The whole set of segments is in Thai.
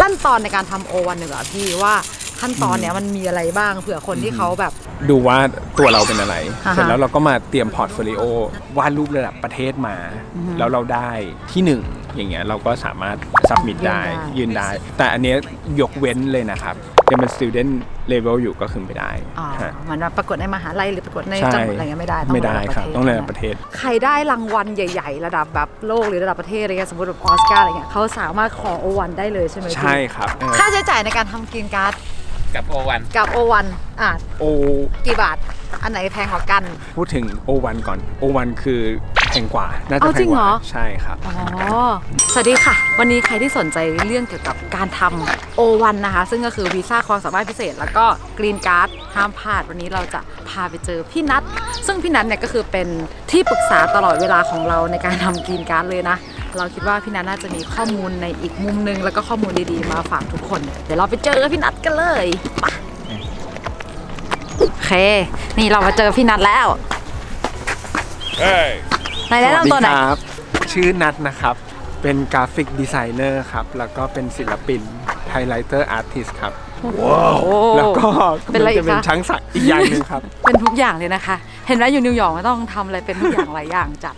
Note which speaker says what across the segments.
Speaker 1: ขั้นตอนในการทำโอวันหนึ่งอะพี่ว่าขั้นตอนเนี้ยมันมีอะไรบ้างเผื่อคนที่เขาแบบ
Speaker 2: ดูว่าตัวเราเป็นอะไรเสร็จแล้วเราก็มาเตรียมพอร์ตโฟลิโอวาดรูประดับประเทศมาแล้วเราได้ที่1อย่างเงี้ยเราก็สามารถซับมิตได้ยืนได้แต่อันเนี้ยยกเว้นเลยนะครับยังเป็น student level อยู่ก็คือไม่ได้
Speaker 1: เหมือนประกวดในมหาลัยหรือประกวดในจังหวัดอะไรเงี้ยไม่ได้
Speaker 2: ครับต้องในประเทศ
Speaker 1: ใครได้รางวัลใหญ่ๆระดับแบบโลกหรือระดับประเทศอะไรเงี้ยสมมติแบบออสการ์อะไรเงี้ยเขาสามารถขอโอวันได้เลยใช่ไหม
Speaker 2: ใช่ครับ
Speaker 1: ค่าใช้จ่ายในการทำกรีนการ์ด
Speaker 3: กับโอ
Speaker 1: วัน
Speaker 2: โอ
Speaker 1: กี่บาทอันไหนแพงกว่ากัน
Speaker 2: พูดถึงโอวันก่อนโอวันคือแพงกว่าน่าจะแพงกว่าใช่ครับ
Speaker 1: สวัสดีค่ะวันนี้ใครที่สนใจเรื่องเกี่ยวกับการทำโอวันนะคะซึ่งก็คือวีซ่าความสามารถพิเศษแล้วก็กรีนการ์ดห้ามพลาดวันนี้เราจะพาไปเจอพี่นัทซึ่งพี่นัทเนี่ยก็คือเป็นที่ปรึกษาตลอดเวลาของเราในการทำกรีนการ์ดเลยนะเราคิดว่าพี่นัทน่าจะมีข้อมูลในอีกมุมนึงแล้วก็ข้อมูลดีๆมาฝากทุกคนเดี๋ยวเราไปเจอพี่นัทกันเลยโอเคนี่เรามาเจอพี่นัทแล้วในแนะนำตัวหน่อย
Speaker 2: ครับชื่อนัทนะครับเป็นกราฟิกดีไซเนอร์ครับแล้วก็เป็นศิลปินไฮไลเตอร์อาร์ติสต์ครับแล้วก็จะเป็นช้างศักดิ์อีกอย่างนึงครับ
Speaker 1: เป็นทุกอย่างเลยนะคะเห็นไหมอยู่นิวยอร์กไม่ต้องทำอะไรเป็นทุกอย่างหลายอย่างจัด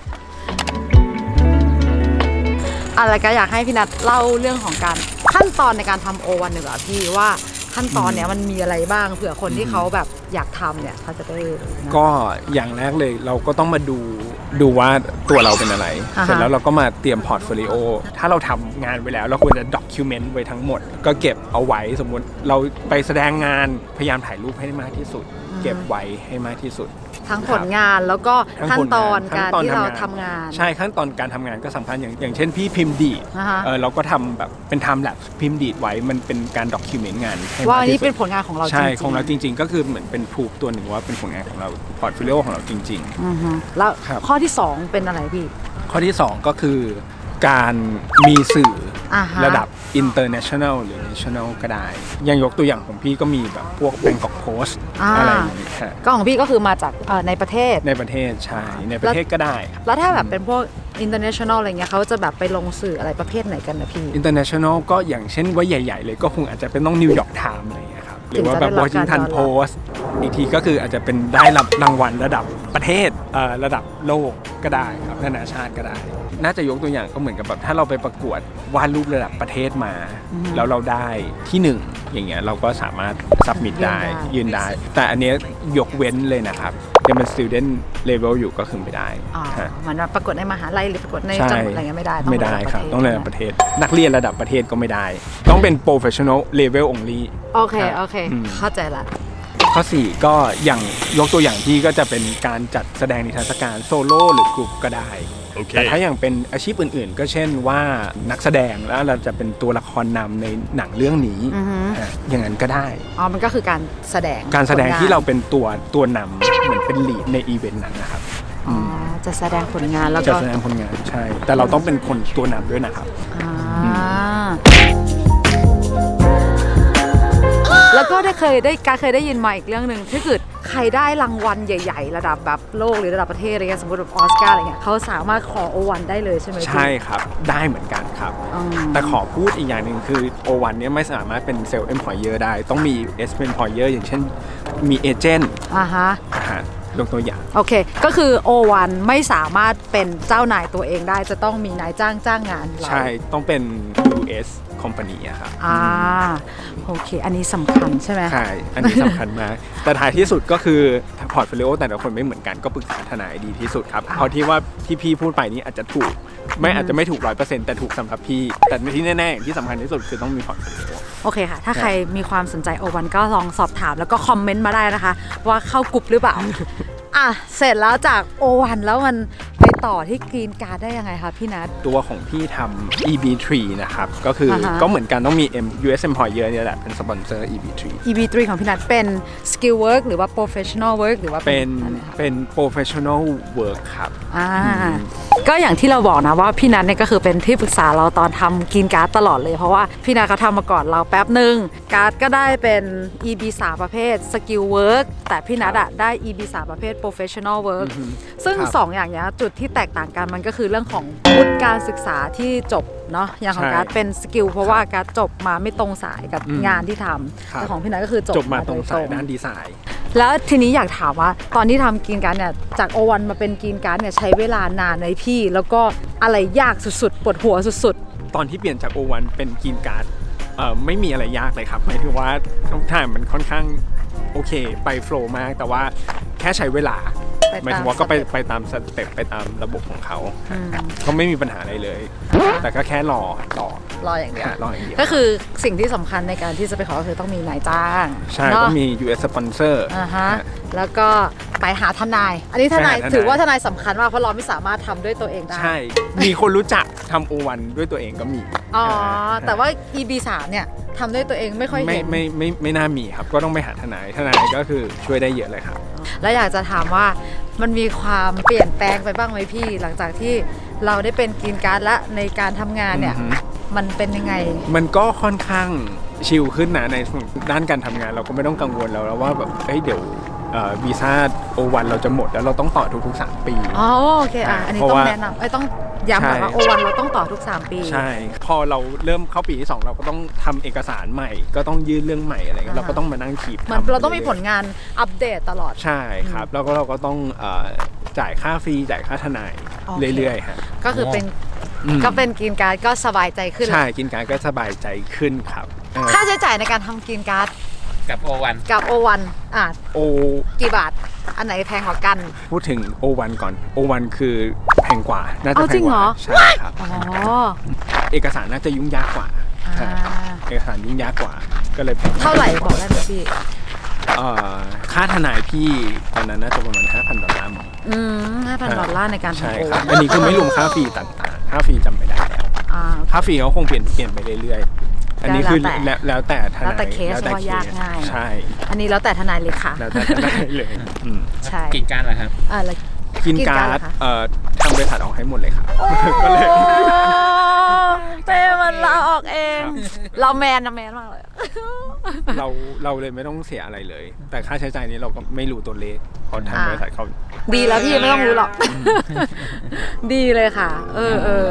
Speaker 1: อะไรก็อยากให้พี่นัทเล่าเรื่องของการขั้นตอนในการทำโอวันหนึ่งอะพี่ว่าขั้นตอนเนี้ยมันมีอะไรบ้างเผื่อคนที่เขาแบบอยากทำเนี่ยเขาจะได้
Speaker 2: ก็อย่างแรกเลยเราก็ต้องมาดูว่าตัวเราเป็นอะไรเสร็จแล้วเราก็มาเตรียมพอร์ตโฟลิโอถ้าเราทำงานไว้แล้วเราควรจะด็อกิวเมนต์ไว้ทั้งหมดก็เก็บเอาไว้สมมุติเราไปแสดงงานพยายามถ่ายรูปให้มากที่สุดเก็บไว้ให้มากที่สุด
Speaker 1: ทั้งผลงานแล้วก็ขั้นตอนการที่เราทำงาน
Speaker 2: ใช่ขั้นตอนการทำงานก็สำคัญอย่างเช่นพี่พิมพ์ดีดเราก็ทำแบบเป็นไทม์แลปพิมพ์ดีดไว้มันเป็นการด็อกิวเมนต์งาน
Speaker 1: ว่าอันนี้เป็นผลงานของเรา
Speaker 2: ใช่ของเราจริงๆก็คือเหมือนเป็นพรูฟตัวหนึ่งว่าเป็นผลงานของเราพอร์ตโฟลิโอของเราจริง
Speaker 1: ๆแล้วข้อที่2เป็นอะไรพี่
Speaker 2: ข้อที่2ก็คือการมีสื่อระดับ international หรือ national ก็ได้ยังยกตัวอย่างของพี่ก็มีแบบพวก Bangkok Post อะไรอย่างนี้
Speaker 1: ก็ของพี่ก็คือมาจากในประเทศ
Speaker 2: ใช่ในประเทศก็ได้
Speaker 1: แล้วถ้าแบบเป็นพวก international อะไรเงี้ยเขาจะแบบไปลงสื่ออะไรประเภทไหนกันนะพี่
Speaker 2: international ก็อย่างเช่นว่าใหญ่ๆเลยก็คงอาจจะเป็นต้อง New York Times อะไรอย่างเงี้ยครับหรือว่าแบบ Washington Post อีกทีก็คืออาจจะเป็นได้รับรางวัลระดับประเทศระดับโลกก็ได้ครับนานาชาติก็ได้น่าจะยกตัวอย่างก็เหมือนกับแบบถ้าเราไปประกวดวาดรูประดับประเทศมาแล้วเราได้ที่1อย่างเงี้ยเราก็สามารถซับมิตได้ยืนได้แต่อันเนี้ยยกเว้นเลยนะครับยังเป็น student level อยู่ก็คือไม่ได้
Speaker 1: เหมือนประกวดในมหาลัยหรือประกวดในจังหวัดอะไรเงี้ยไม่ได้
Speaker 2: ครับต้องในประเทศนักเรียนระดับประเทศก็ไม่ได้ต้องเป็น professional level only
Speaker 1: โอเคเข้าใจละ
Speaker 2: ข้อ4ก็อย่างยกตัวอย่างที่ก็จะเป็นการจัดแสดงนิทรรศการโซโล่หรือกลุ่มก็ได้แต่ถ้าอย่างเป็นอาชีพอื่นๆก็เช่นว่านักแสดงแล้วเราจะเป็นตัวละครนำในหนังเรื่องนี้อย่างนั้นก็ได้
Speaker 1: มันก็คือการแสดง
Speaker 2: ที่เราเป็นตัวนำเหมือนเป็นลีดในอีเวนต์นั้นนะครับ
Speaker 1: จะแสดงผลงานแล้วก็
Speaker 2: จะแสดงผลงานใช่แต่เราต้องเป็นคนตัวนำด้วยนะครับ
Speaker 1: แล้วก็เคยได้ยินมาอีกเรื่องหนึ่งถ้าเกิดใครได้รางวัลใหญ่ๆระดับแบบโลกหรือระดับประเทศอะไรเงี้ยสมมติแบบออสการ์อะไรเงี้ยเขาสามารถขอโอวันได้เลยใช่ไหม
Speaker 2: ใช่ครับได้เหมือนกันครับแต่ขอพูดอีกอย่างหนึ่งคือโอวันเนี้ยไม่สามารถเป็นเซลล์เอ็มพลอยเออร์ได้ต้องมีเอสเป็นพลอยเออร์อย่างเช่นมีเอเจนต์ยกตัวอย่าง
Speaker 1: โอเคก็คือโอวันไม่สามารถเป็นเจ้านายตัวเองได้จะต้องมีนายจ้างงาน
Speaker 2: ใช่ต้องเป็น US company อะครับ
Speaker 1: โอเคอันนี้สำคัญใช่ไหม
Speaker 2: ใช่อันนี้สำคัญมากแต่ท้ายที่สุดก็คือพอร์ตโฟลิโอแต่ละคนไม่เหมือนกันก็ปรึกษาทนายดีที่สุดครับเพราะที่ว่าที่พี่พูดไปนี้อาจจะถูกอาจจะไม่ถูก 100% แต่ถูกสำหรับพี่แต่ที่แน่ๆที่สำคัญที่สุดคือต้องมีพอร์ตโฟลิโอ
Speaker 1: โอเคค่ะถ้าใครมีความสนใจโอวันก็ลองสอบถามแล้วก็คอมเมนต์มาได้นะคะว่าเข้ากลุ่มหรือเปล่าเสร็จแล้วจากโอวันแล้วมันไปต่อที่กรีนการ์ดได้ยังไงคะพี่นัท
Speaker 2: ตัวของพี่ทำ EB3 นะครับก็คือก็เหมือนกันต้องมี US Employer เนี่ยแหละเป็นสปอนเซอร์
Speaker 1: EB3 ของพี่นัทเป็น Skill Work หรือว่า Professional Work หรือว่า
Speaker 2: เป็น Professional Work ครับ
Speaker 1: ก็อย่างที่เราบอกนะว่าพี่นัทเนี่ยก็คือเป็นที่ปรึกษาเราตอนทำกรีนการ์ดตลอดเลยเพราะว่าพี่นัทเขาทำมาก่อนเราแป๊บนึงการ์ดก็ได้เป็น EB3 ประเภท Skill Work แต่พี่นัทได้ EB3 ประเภท Professional Work ซึ่ง2อย่างนี้จุดที่แตกต่างกันมันก็คือเรื่องของวุฒิการศึกษาที่จบเนาะอย่างของ
Speaker 2: ใช่
Speaker 1: การ์ดเป็นสกิลเพราะว่าการ์ดจบมาไม่ตรงสายกับ
Speaker 2: อืม
Speaker 1: งานที่ท
Speaker 2: ครั
Speaker 1: ำ
Speaker 2: บ
Speaker 1: แต่ของพี่นัทก็คือจ
Speaker 2: จ
Speaker 1: บบ
Speaker 2: มา
Speaker 1: มา
Speaker 2: ตรง
Speaker 1: โดย
Speaker 2: สายด้านดีไซน์
Speaker 1: แล้วทีนี้อยากถามว่าตอนที่ทำกรีนการ์ดเนี่ยจากโอวันมาเป็นกรีนการ์ดเนี่ยใช้เวลานานไหมพี่ แล้วก็อะไรยากสุดๆปวดหัวสุด
Speaker 2: ตอนที่เปลี่ยนจาก O1 เป็นกรีนการ์ดไม่มีอะไรยากเลยครับหมายถึงว่าทุกทางมันค่อนข้างโอเคไปโฟล์มากแต่ว่าแค่ใช้เวลา
Speaker 1: ไป
Speaker 2: หมาย
Speaker 1: ตาม
Speaker 2: ถึงว่าก็
Speaker 1: สเต็ป
Speaker 2: ไปตามสเต็ปไปตามระบบของเขา
Speaker 1: อืม
Speaker 2: ก็ไม่มีปัญหาอะไรเลย แต่ก็แค่รอ
Speaker 1: รออย่างเดียว
Speaker 2: รออย่างเดียว
Speaker 1: ก็คือสิ่งที่สำคัญในการที่จะไปขอก็คือต้องมีนายจ้าง
Speaker 2: ใช่
Speaker 1: เนาะ
Speaker 2: ก็มี US sponsor
Speaker 1: อ่าฮะแล้วก็ไปหาทนาย อันนี้ทนาย
Speaker 2: ไปหาทนาย
Speaker 1: ถือว่าทนายสำคัญมากเพราะเราไม่สามารถทำด้วยตัวเองได้
Speaker 2: ใช่ มีคนรู้จักทำ O1 ด้วยตัวเองก็มี
Speaker 1: อ๋อแต่ว่า EB3 เนี่ยทำด้วยตัวเองไม่ค่อย
Speaker 2: ไม่
Speaker 1: เห็น
Speaker 2: ไม่น่ามีครับ ก็ต้องไปหาทนายก็คือช่วยได้เยอะเลยครับ
Speaker 1: แล้วอยากจะถามว่ามันมีความเปลี่ยนแปลงไปบ้างไหมพี่ หลังจากที่เราได้เป็นกรีนการ์ดและในการทำงานเนี่ย
Speaker 2: อือฮึ
Speaker 1: มันเป็นยังไง
Speaker 2: มันก็ค่อนข้างชิลขึ้นนะในด้านการทำงานเราก็ไม่ต้องกังวลแล้วว่าแบบเดี๋ยววีซ่า O1 เราจะหมดแล้วเราต้องต่อทุกๆ3 ปี
Speaker 1: อ๋อโอเคอันนี้
Speaker 2: เพราะ
Speaker 1: ต้อง
Speaker 2: ว่า
Speaker 1: แนะนำต้องย้ำก่อนว่า
Speaker 2: ใช่
Speaker 1: โอวันเราต้องต่อทุก 3 ปี
Speaker 2: ใช่ พอเราเริ่มเข้าปีที่ 2 เราก็ต้องทำเอกสารใหม่ ก็ต้องยื่นเรื่องใหม่อะไรเงี้ย
Speaker 1: อ่าฮะ
Speaker 2: เราก็ต้องมานั่งขีด
Speaker 1: เหมือน
Speaker 2: ทำ
Speaker 1: เราต้องมีผลงานอัปเดตตลอด
Speaker 2: ใช่ครับ แล้วก็เราก็ต้องจ่ายค่าฟรีจ่ายค่าทนาย
Speaker 1: โอเค
Speaker 2: เรื่อยๆฮะ
Speaker 1: ก็คือเป็น
Speaker 2: อืม
Speaker 1: ก็เป็นกรีนการ์ดก็สบายใจขึ้น
Speaker 2: ใช่กินการก็สบายใจขึ้นครับ
Speaker 1: ค่าใช้จ่ายในการทำกรีนการ์ด
Speaker 3: กับโอวัน
Speaker 1: กับโอวัน
Speaker 2: โอ
Speaker 1: กี่บาท อันไหนแพงกว่ากัน
Speaker 2: พูดถึง O1 ก่อน O1 คือแพงกว่า น่าจะ
Speaker 1: เอา
Speaker 2: แพ
Speaker 1: จริ
Speaker 2: ง
Speaker 1: ง
Speaker 2: ก
Speaker 1: เหร
Speaker 2: ว่า
Speaker 1: อ
Speaker 2: ใช่ครับ
Speaker 1: อ๋อ
Speaker 2: เอกสารน่าจะยุ่งยากกว่า
Speaker 1: อ่า
Speaker 2: ใช่เอกสารยุ่งยากกว่า ก็เลยแพง
Speaker 1: เท่าไหร่บอกได้ไหมพี่
Speaker 2: ค่าทนายพี่ตอนนั้นน่าจะประมาณ $5,000
Speaker 1: $5,000ในการ
Speaker 2: ใช่
Speaker 1: ทำโอ
Speaker 2: ครับ
Speaker 1: วัน
Speaker 2: อันนี้คือไม่รวมค่าฟรีต่างๆ ค่าฟรีจำไม่ได้แล้ว
Speaker 1: อ่า
Speaker 2: ค่าฟรีเขาคงเปลี่ยนไปเรื่อยๆ อันนี้คือแล้วแต่ทนาย
Speaker 1: แล้วแต่เคสว่ายากง่าย
Speaker 2: ใช่
Speaker 1: อันนี้แล้วแต่ทนายเลยค่ะ
Speaker 2: แล้วแต่ทนายเลยอืม
Speaker 1: ใช่
Speaker 3: กินการเหรอครับ
Speaker 1: แล้ว
Speaker 2: กินการ์ด
Speaker 1: เหรอคะ
Speaker 2: ทำบริษัทออกให้หมดเลยครับ ก็เลย
Speaker 1: เต้มันลาออกเอง เราแมนนะแมนมากเลย
Speaker 2: เราเลยไม่ต้องเสียอะไรเลย แต่ค่าใช้จ่ายนี้เราก็ไม่รู้ตัวเลขเพราะทางบริษัทเขา
Speaker 1: ดีแล้วพี่ไม่ต้องรู้หรอก ดีเลยค่ะ เออ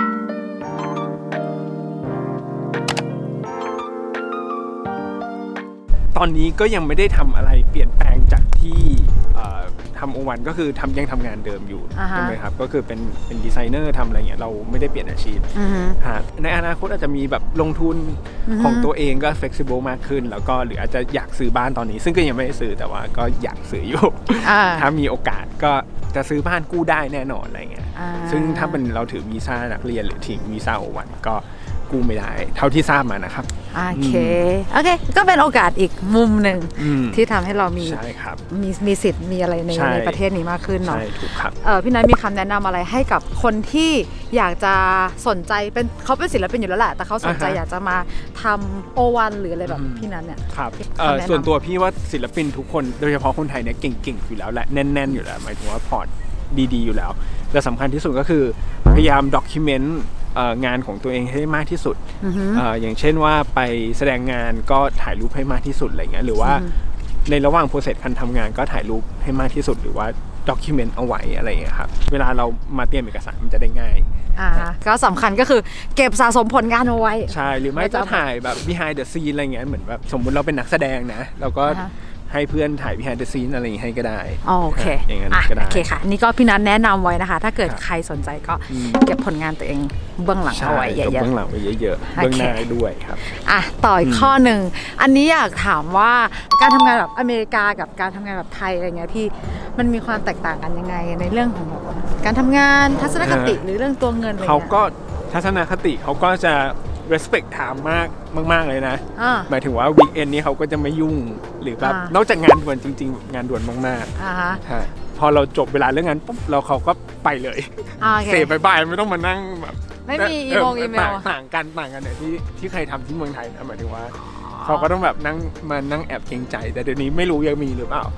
Speaker 2: ตอนนี้ก็ยังไม่ได้ทำอะไรเปลี่ยนแปลงจากที่ทำO1ก็คือยังทำงานเดิมอยู่
Speaker 1: อ่าฮะ
Speaker 2: ใช่ไหมครับก็คือเป็นดีไซเนอร์ทำอะไรเงี้ยเราไม่ได้เปลี่ยนอาชีพ
Speaker 1: อือฮึ
Speaker 2: ในอนาคตอาจจะมีแบบลงทุน
Speaker 1: อือฮึ
Speaker 2: ของตัวเองก็ flexible มากขึ้น แล้วก็หรืออาจจะอยากซื้อบ้านตอนนี้ ซึ่งก็ยังไม่ได้ซื้อแต่ว่าก็อยากซื้ออยู่
Speaker 1: อ่า
Speaker 2: ถ้ามีโอกาสก็จะซื้อบ้านกู้ได้แน่นอนอะไรเงี้ย
Speaker 1: อ่า
Speaker 2: ซึ่งถ้าเป็นเราถือวีซ่านักเรียนหรือทิ้งวีซ่าO1ก็กู้ไม่ได้ เท่าที่ทราบมานะครับ
Speaker 1: โอเค ก็เป็นโอกาสอีกมุมหนึ่ง
Speaker 2: อืม
Speaker 1: ที่ทำให้เรามี
Speaker 2: ใช่ครับ
Speaker 1: มีสิทธิ์มีอะไรใน
Speaker 2: ใช่
Speaker 1: ในประเทศนี้มากขึ้นเนาะ
Speaker 2: ใช่ถูกครับ
Speaker 1: พี่นัทมีคำแนะนำอะไรให้กับคนที่อยากจะสนใจเขาเป็นศิลปินอยู่แล้วแหละแต่เขาสนใจ
Speaker 2: อ่าฮะ
Speaker 1: อยากจะมาทำO1หรืออะไรแบบ
Speaker 2: อืม
Speaker 1: พี่นัทเนี่ย
Speaker 2: ครับ
Speaker 1: คำแนะนำ
Speaker 2: ส่วนตัวพี่ว่าศิลปินทุกคนโดยเฉพาะคนไทยเนี่ยเก่งๆอยู่แล้วแหละแน่นๆอยู่แล้วหมายถึงว่าพอร์ตดีๆอยู่แล้วแต่สำคัญที่สุดก็คือพยายามด็อกิเมนต์งานของตัวเองให้มากที่สุด
Speaker 1: อือฮึ
Speaker 2: อย่างเช่นว่าไปแสดงงานก็ถ่ายรูปให้มากที่สุดอะไรเงี้ยหรือว่า
Speaker 1: อืม
Speaker 2: ในระหว่างโปรเซสการทำงานก็ถ่ายรูปให้มากที่สุดหรือว่าด็อกิเมนต์เอาไว้อะไรเงี้ยครับเวลาเรามาเตรียมเอกสารมันจะได้ง่าย
Speaker 1: ก็สำคัญก็คือเก็บสะสมผลงานเอาไว้
Speaker 2: ใช่หรือไม่ก็ถ่ายแบบ behind the scene อะไรเงี้ยเหมือนแบบสมมุติเราเป็นนักแสดงนะเราก็
Speaker 1: อ่าฮะ
Speaker 2: ให้เพื่อนถ่าย behind the scene อะไรอย่างงี้ให้ก็ได้
Speaker 1: โอเค
Speaker 2: อย่างนั้นก็ได้
Speaker 1: โอเคค่ะ นี่ก็พี่นัทแนะนำไว้นะคะ ถ้าเกิด
Speaker 2: ครับ
Speaker 1: ใครสนใจก็
Speaker 2: อืม
Speaker 1: เก็บผลงานตัวเองเบื้องหลัง
Speaker 2: ใช่
Speaker 1: เอาไว้เย
Speaker 2: กับ
Speaker 1: อะ
Speaker 2: เบื้องหลังไว้เยอะๆ
Speaker 1: โอเค
Speaker 2: เบื้องหน้าด้วยครับ
Speaker 1: ๆต่ออีกข้อหนึ่งอันนี้อยากถามว่าการทำงานแบบอเมริกากับการทำงานแบบไทยอะไรเงี้ยพี่มันมีความแตกต่างกันยังไงในเรื่องของแบบการทำงานทัศนคติหรือเรื่องตัวเงินอะไร
Speaker 2: เขา
Speaker 1: เงี้ย
Speaker 2: ก็ทัศนคติเขาก็จะ respect time มากเลยนะ
Speaker 1: อ่า
Speaker 2: หมายถึงว่า weekend นี้เขาก็จะไม่ยุ่งหรือแบบ
Speaker 1: อ่าน
Speaker 2: อกจากงานด่วนจริงๆ งานด่วนมาก
Speaker 1: อ่าฮะ
Speaker 2: ๆใช่พอเราจบเวลาเรื่องงานปุ๊บเราเขาก็ไปเลย
Speaker 1: โอเค
Speaker 2: เสบายๆไม่ต้องมานั่งแบบ
Speaker 1: ไม่มีอีโมล
Speaker 2: ต่างกันเนี่ยที่เคยทำที่เมืองไทยนะหมายถึงว่าเขาก็ต้องแบบนั่งแอบเกรงใจ แต่เดี๋ยวนี้ไม่รู้ยังมีหรือเปล่า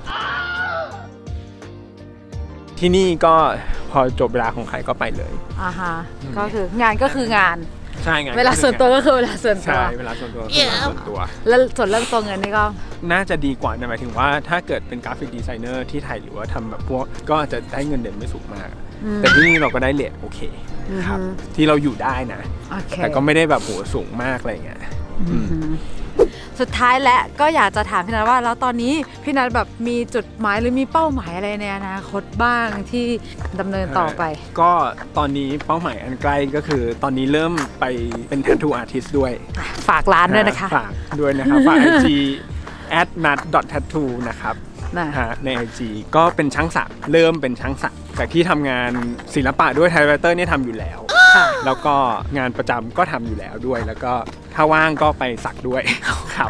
Speaker 2: ที่นี่ก็พอจบเวลาของใครก็ไปเลย
Speaker 1: อ่าฮะก็คืองานก็คืองาน
Speaker 2: ใช่ไง
Speaker 1: เวลาส่วนตัวก็คือเวลาส่วนตัว
Speaker 2: ใช่เวลาส่วนตัวคือเวลาส่วนตัว
Speaker 1: แล้วส่วนเรื่องตัวเงินนี่ก็
Speaker 2: น่าจะดีกว่านะหมายถึงว่าถ้าเกิดเป็นกราฟิกดีไซเนอร์ที่ไทยหรือว่าทำแบบพวกก็อาจจะได้เงินเดือนไม่สูงมาก แต่ที่นี่เราก็ได้เรทโอเคครับที่เราอยู่ได้นะ
Speaker 1: โอเค
Speaker 2: แต่ก็ไม่ได้แบบโหสูงมากอะไรเงี้ย
Speaker 1: สุดท้ายและก็อยากจะถามพี่นัทว่าแล้วตอนนี้พี่นัทแบบมีจุดหมายหรือมีเป้าหมายอะไรในอนาคตบ้างที่ดำเนินต่อไป
Speaker 2: ก็ตอนนี้เป้าหมายอันใกล้ก็คือตอนนี้เริ่มไปเป็น tattoo artist ด้วย
Speaker 1: ฝากร้านด้วยนะคะ
Speaker 2: ฝากด้วยนะครับฝาก IG @nut.tattoo นะครับ
Speaker 1: นะ
Speaker 2: ใน IG ก็เป็นช่างศักดิ์เริ่มเป็นช่างศักดิ์จากที่ทำงานศิลปะด้วยไทป์ไรเตอร์นี่ทำอยู่แล้ว
Speaker 1: ค่ะ
Speaker 2: แล้วก็งานประจำก็ทำอยู่แล้วด้วย แล้วก็ถ้าว่างก็ไปสักด้วย ครับ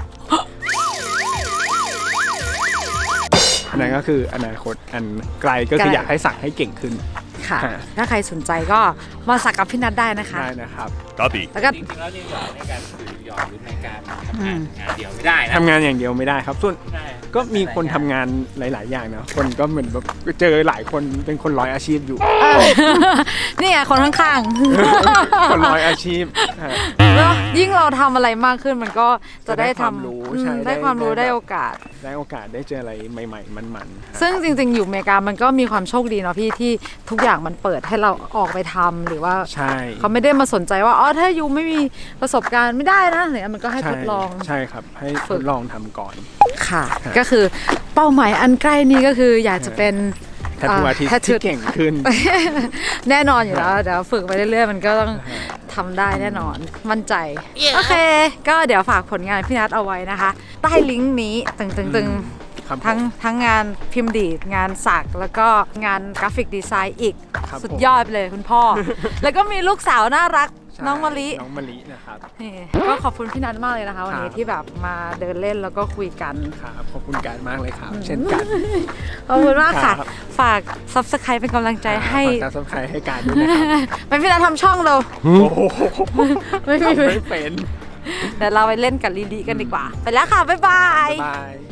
Speaker 2: อันนั้นก็คืออนาคตอันไกลก็คืออยากให้สักให้เก่งขึ้น
Speaker 1: ค่ะ ถ้าใครสนใจก็มาสักกับพี่นัทได้นะคะ
Speaker 2: ได้นะครับ
Speaker 3: Copy.
Speaker 1: แล้วก็
Speaker 4: จริงๆแล้วนิวยอร์กในการถือยอร์กหรือในการทำงานเดียวไม่ได้นะ
Speaker 2: ทำงานอย่างเดียวไม่ได้ครับส่วน
Speaker 4: ใช่
Speaker 2: ก็มีคนทำงานหลาย ๆ อย่างนะคนก็เหมือนแบบเจอหลายคนเป็นคนร้อยอาชีพอยู่
Speaker 1: นี่ไงคนข้าง
Speaker 2: คนร้อยอาชีพ
Speaker 1: ๆแล้วยิ่งเราทำอะไรมากขึ้นมันก็จะได้
Speaker 2: จะได้ความรู้
Speaker 1: ทำ
Speaker 2: ใช่
Speaker 1: ได้ความรู้
Speaker 2: ได้
Speaker 1: ได้โอกาส
Speaker 2: ได้โอกาสได้เจออะไรใหม่ ๆ มันๆ
Speaker 1: ซึ่งจริงๆ อยู่อเมริกามันก็มีความโชคดีเนาะพี่ที่ทุกอย่างมันเปิดให้เราออกไปทำหรือว่า
Speaker 2: ใช่
Speaker 1: เขาไม่ได้มาสนใจว่าอ๋อถ้ายูไม่มีประสบการณ์ไม่ได้นะอะไรเงี้ยมันก็ให้ทดลอง
Speaker 2: ใช่ครับให้
Speaker 1: ฝึ
Speaker 2: ท
Speaker 1: ก
Speaker 2: ดลองทำก่อน
Speaker 1: ค่ะ ก็คือเป้าหมายอันใกล้นี้ก็คืออยากจะเป็น
Speaker 2: แททูอาร์ติส
Speaker 1: tattoo
Speaker 2: ที่เก่งขึ้น
Speaker 1: แน่นอนอยู่แล้วเดี๋ยวฝึกไปเรื่อยๆ มันก็ต้องทำได้แน่นอนมั่นใจ โอเค ก็เดี๋ยวฝากผลงานพี่นัทเอาไว้นะคะ ใต้ลิงก์นี้ตึง
Speaker 2: ครับ
Speaker 1: ๆทั้งงานพิมพ์ดีดงานสักแล้วก็งานกราฟิกดีไซน์อีก
Speaker 2: ครับ
Speaker 1: สุดยอดไปเลยคุณพ่อ แล้วก็มีลูกสาวน่ารัก
Speaker 2: ใช่
Speaker 1: น้องมะลิ
Speaker 2: น้องมะลินะครับ
Speaker 1: นี่ก็ขอบคุณพี่นัทมากเลยนะคะ วันนี้ที่แบบมาเดินเล่นแล้วก็คุยกัน
Speaker 2: ครับขอบคุณการมากเลยครับ เช่นกัน
Speaker 1: ขอบคุณมากค่ะ
Speaker 2: ครับ
Speaker 1: ฝาก subscribe เป็นกำลังใจให้
Speaker 2: ฝากการซับสไครต์ให้การด้วยนะครับ
Speaker 1: เป็นพี่นัททำช่องเรา
Speaker 2: โอ้โห
Speaker 1: ไม่มี
Speaker 2: ไม่เป็น
Speaker 1: เดี๋ยวเราไปเล่นกับลีลีกันดีกว่า ไปแล้วค่ะ บ๊ายบาย
Speaker 2: บาย